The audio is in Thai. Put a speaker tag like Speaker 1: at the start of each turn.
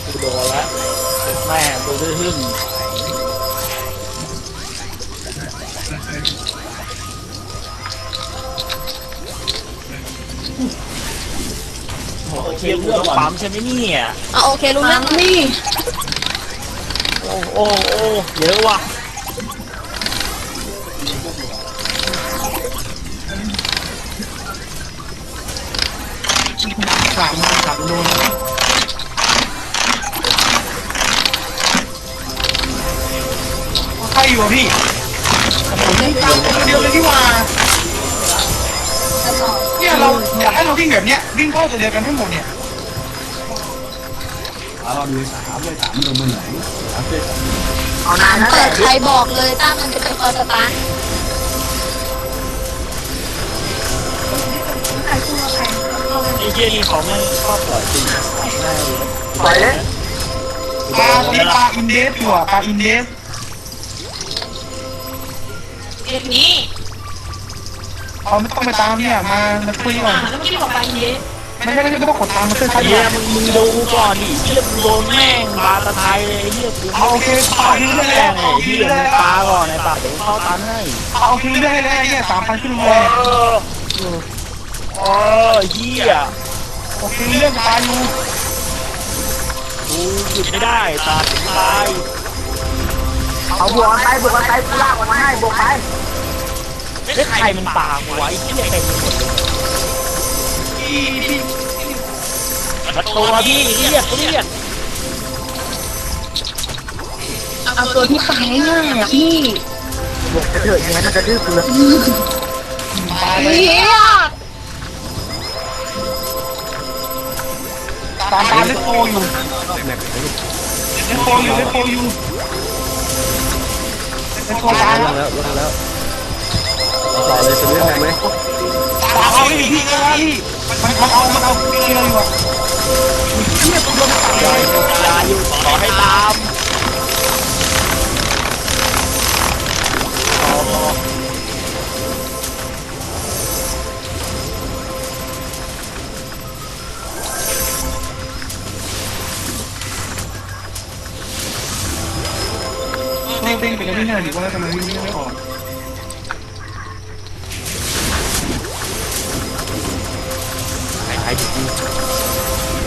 Speaker 1: กูโดนแล้วแม่ตัวดื้อหึ่งโอ้โหเทียบเรื่องปั๊มใช่ไหมเนี่ย
Speaker 2: โอเครู้เรื่องนี่
Speaker 1: โอ้โอ้โอ้เยอะว่ะ
Speaker 3: กลับโดนใครอยู่พี่เดียวเลยที่ว่าเนี่ยเราอยากให้เราวิ่งแบบเนี้ยวิ่งเข้าเดียวกันทั้งหมดเนี่ย
Speaker 4: เราดู3เลย3โดนมือไหน3เลย
Speaker 2: เอานานแล้วแต่ใครบอกเลยตั้งมันจะเป็นคอสตาร์
Speaker 1: ไอ้เหี้ยนี่เขาไม่ชอบปล่อยจริงง่ายเลย
Speaker 3: ไปเลยปลาอินเดสอยู่อ่ะปลาอินเดส
Speaker 2: เด็กนี้
Speaker 3: เขาไม่ต้องไปตามเนี่ยมาคุยก่อน
Speaker 2: แล้วเมื่อกี้บอกไปเยอะ
Speaker 3: ไม่ต้องกดตามมาเพื่อนใคร
Speaker 1: เหี้ยมึงดูก่อนดิเหี้ยมึงโดนแม่งบาตะไทยเลยเหี้ยกู
Speaker 3: เอาโอเคปลาคิวได้
Speaker 1: แม่
Speaker 3: แล้ว
Speaker 1: งไอ้เหี้ยมึงปาก่อนไอ้ปาเดี๋ยวเข้าตันให้
Speaker 3: เอาคิวได้แล้วเนี่ย3,000ขึ้นเลย
Speaker 1: โอ้เหี้ย
Speaker 3: โอเคเรื่องปลาอยู่
Speaker 1: กูหยุดไม่ได้ตาถึงตาย
Speaker 5: เอาบวกกันไปบวกกันไปกูลากออกมาให้บวกไป
Speaker 1: เฮ้ยใครมันปาหัวไอ้เหี้ยเต็มไปหมดเลยมาตัวพี่เรียก
Speaker 2: เอาตัวที่ตายง่ายอ่ะพี่
Speaker 5: บวกจะเถิดอย่างนั้นมันจะดื้อเปลือก
Speaker 3: ปลาไป
Speaker 2: เฮีย
Speaker 3: ตามปลาเล็กโตอยู่เล็กโตอยู่เล็กโตตายแล้ว
Speaker 4: ต่อเลยจะเล่นไหม
Speaker 3: ปลาเอาดิพี่ก็ว่าพี่มันเอาเกลียวอยู่อ่ะเนี่ยตัวโดนตัดเลย
Speaker 1: ยาอยู่ขอให้ตาม
Speaker 3: เต้นไปกันที่ไหนดีว่าทำไมวิ่งไม่ออก
Speaker 1: หายไป